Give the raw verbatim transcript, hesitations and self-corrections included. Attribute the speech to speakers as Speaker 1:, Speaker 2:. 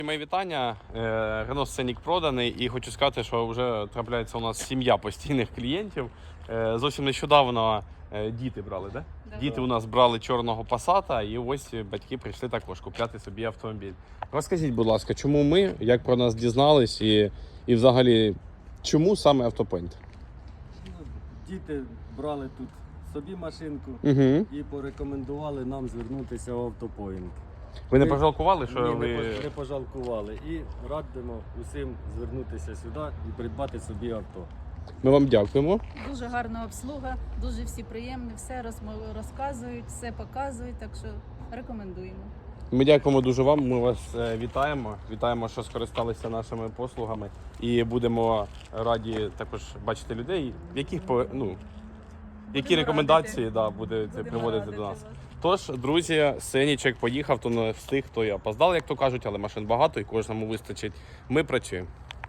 Speaker 1: Мої вітання. Renault Scenic проданий і хочу сказати, що вже трапляється у нас сім'я постійних клієнтів. Зовсім нещодавно діти брали, да?
Speaker 2: Да.
Speaker 1: Діти у нас брали чорного Passat, і ось батьки прийшли також купляти собі автомобіль. Розкажіть, будь ласка, чому ми, як про нас дізнались і, і взагалі, чому саме Автопоінт?
Speaker 3: Діти брали тут собі машинку
Speaker 1: Угу.
Speaker 3: і порекомендували нам звернутися в Автопоінт.
Speaker 1: Ви не
Speaker 3: Ми-
Speaker 1: пожалкували, що
Speaker 3: Ні,
Speaker 1: ви...
Speaker 3: не, пож- не пожалкували. І радимо усім звернутися сюди і придбати собі авто.
Speaker 1: Ми вам дякуємо.
Speaker 2: Дуже гарна обслуга, дуже всі приємні, все розмо- розказують, все показують, так що рекомендуємо.
Speaker 1: Ми дякуємо дуже вам. Ми вас е, вітаємо. Вітаємо, що скористалися нашими послугами. І будемо раді також бачити людей, в яких по- ну, які
Speaker 2: Будемо
Speaker 1: рекомендації
Speaker 2: радити.
Speaker 1: да, буде це
Speaker 2: Будемо
Speaker 1: приводити
Speaker 2: радити
Speaker 1: до нас.
Speaker 2: вас.
Speaker 1: Тож, друзі, Сенічек поїхав, то не встиг, то я опоздав, як то кажуть, але машин багато і кожному вистачить. Ми працюємо.